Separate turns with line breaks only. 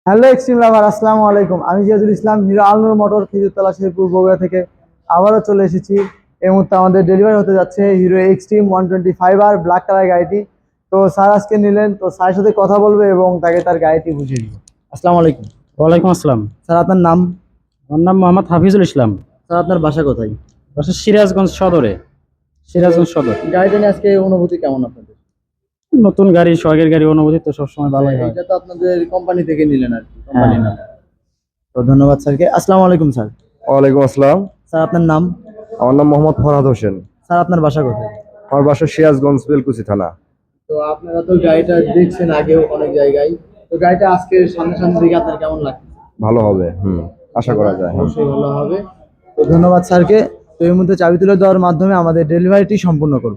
Hello extreme lover, আসসালামু আলাইকুম। আমি জিয়াদুল ইসলাম, হিরো আলনুর মোটর, খেজুরতলা, শেরপুর, বগুড়া থেকে আবারও চলে এসেছি। এই মুহূর্তে আমাদের ডেলিভারি হতে যাচ্ছে hero extreme 125R black colour গাড়িটি। তো স্যার আজকে নিলেন, তো স্যারের সাথে কথা বলবে এবং তাকে তার গাড়িটি বুঝিয়ে দিব। আসসালামু আলাইকুম।
ওয়ালাইকুম আসসালাম।
স্যার, আপনার নাম?
আমার নাম মোহাম্মদ হাফিজুল ইসলাম।
স্যার, আপনার বাসা কোথায়?
বাসা সিরাজগঞ্জ সদরে। সিরাজগঞ্জ সদর।
গাড়িটা নিয়ে আজকে অনুভূতি কেমন আপনাদের?
নতুন গাড়ি, শখের গাড়ি, অনুভূতি তো সবসময় ভালোই হয়।
এটা তো আপনাদের কোম্পানি থেকে নিলেন আর কি,
হ্যাঁ।
কোম্পানি না? তো ধন্যবাদ স্যারকে। আসসালামু আলাইকুম স্যার।
ওয়ালাইকুম আসসালাম।
স্যার, আপনার নাম?
আমার নাম মোহাম্মদ ফরহাদ হোসেন।
স্যার, আপনার বাসা কোথায়?
আমার বাসা সিরাজগঞ্জ বেলকুচি থানা।
তো আপনারা তো গাড়িটা দেখছেন আগেও অনেক জায়গায়, তো গাড়িটা আজকে সামনে সামনে দিকে আপনার কেমন লাগছে?
ভালো হবে, আশা করা যায়।
অবশ্যই ভালো হবে। তো ধন্যবাদ স্যারকে। তো এই মুহূর্তে চাবি তুলে দেওয়ার মাধ্যমে আমাদের ডেলিভারিটি সম্পূর্ণ করব।